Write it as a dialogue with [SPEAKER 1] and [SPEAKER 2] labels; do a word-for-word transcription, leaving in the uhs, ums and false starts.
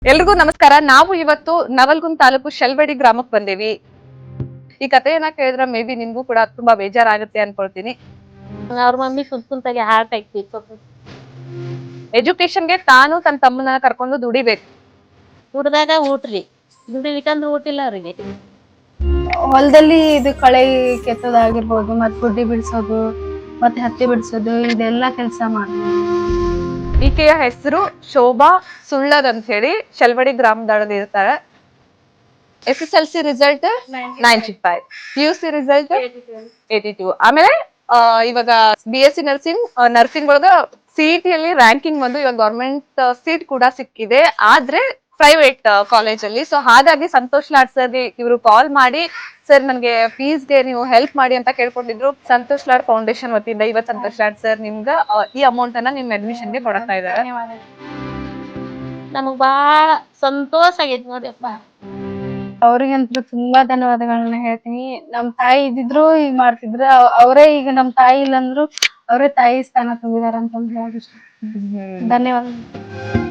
[SPEAKER 1] ಎಲ್ರಿಗೂ ನಮಸ್ಕಾರ. ನಾವು ಇವತ್ತು ನವಲ್ಗುಂದ್ ತಾಲೂಕು ಶೆಲ್ವಡಿ ಗ್ರಾಮಕ್ಕೆ ಬಂದೇವಿ. ಈ ಕಥೆಯನ್ನ ಕೇಳಿದ್ರೆ ಮೇ ಬಿ ನಿಮ್ಗೂ ಕೂಡ ತುಂಬಾ ಬೇಜಾರಾಗುತ್ತೆ ಅನ್ಕೊಳ್ತೀನಿ.
[SPEAKER 2] ಅವ್ರ ಮಮ್ಮಿ ಕುಂತ್ ಕುಂತಾಗೆ ಹಾರ್ಟ್ ಆಗ್ತಿತ್ತು.
[SPEAKER 1] ಎಜುಕೇಶನ್ಗೆ ತಾನು ತನ್ನ ತಮ್ಮನ ಕರ್ಕೊಂಡು ದುಡಿಬೇಕು.
[SPEAKER 2] ದುಡ್ದಾಗ ಊಟ್ರಿ ದುಡಿಲಿಕ್ಕಂದ್ರೆ ಊಟಿಲ್ಲ ಅವ್ರಿಗೆ.
[SPEAKER 3] ಹೊಲದಲ್ಲಿ ಇದು ಕಳೆ ಕೆತ್ತೋದಾಗಿರ್ಬೋದು, ಮತ್ ಗುಡ್ಡಿ ಬಿಡಿಸೋದು, ಮತ್ತೆ ಹತ್ತಿ ಬಿಡಿಸೋದು, ಇದೆಲ್ಲಾ ಕೆಲಸ ಮಾಡ್ತೀವಿ.
[SPEAKER 1] ಈಕೆಯ ಹೆಸರು ಶೋಭಾ ಸುಳ್ಳದ್ ಅಂತ ಹೇಳಿ ಶೆಲ್ವಡಿ ಗ್ರಾಮದೊಳಗೆ ಇರ್ತಾರೆ. S S L C result ninety five, P U C result eighty two. ಆಮೇಲೆ ಆ ಇವಾಗ B S C nursing nursing ಒಳಗ ಸಿಇಟಿ ಅಲ್ಲಿ ರ್ಯಾಂಕಿಂಗ್ ಬಂದು ಇವಾಗ ಗೌರ್ಮೆಂಟ್ ಸೀಟ್ ಕೂಡ ಸಿಕ್ಕಿದೆ, ಆದ್ರೆ ಪ್ರೈವೇಟ್ ಕಾಲೇಜ್ ಅಲ್ಲಿ. ಸೊ ಹಾಗಾಗಿ ಸಂತೋಷ್ ಲಾಡ್ ಸರ್ ಇವರು ಕಾಲ್ ಮಾಡಿ, ಸರ್ ನನ್ಗೆ ಫೀಸ್ಗೆ ನೀವು ಹೆಲ್ಪ್ ಮಾಡಿ ಅಂತ ಕೇಳ್ಕೊಂಡಿದ್ರು. ಸಂತೋಷ್ ಲಾಡ್ ಫೌಂಡೇಶನ್ ವತಿಯಿಂದ ಇವತ್ತು ಸಂತೋಷ್ ಲಾಡ್ ಸರ್ ನಿಮ್ಗ ಈ ಅಮೌಂಟ್ ಅನ್ನ ನಿಮ್ ಅಡ್ಮಿಷನ್ಗೆ ಕೊಡ್ತಾ ಇದ್ದಾರೆ.
[SPEAKER 2] ನಮಗ್ ಬಾಳ ಸಂತೋಷ ಆಗೈತಿ ನೋಡ್ರಿಪ್ಪ.
[SPEAKER 3] ಅವ್ರಿಗಂತೂ ತುಂಬಾ ಧನ್ಯವಾದಗಳನ್ನ ಹೇಳ್ತೀನಿ. ನಮ್ ತಾಯಿ ಇದ್ದಿದ್ರು ಈಗ ಮಾಡ್ತಿದ್ರು, ಅವರೇ ಈಗ ನಮ್ ತಾಯಿ ಇಲ್ಲಂದ್ರು ಅವರೇ ತಾಯಿ ಸ್ಥಾನ ತುಂಬಿದಾರ ಅಂತ ಹೇಳಿ ಧನ್ಯವಾದ.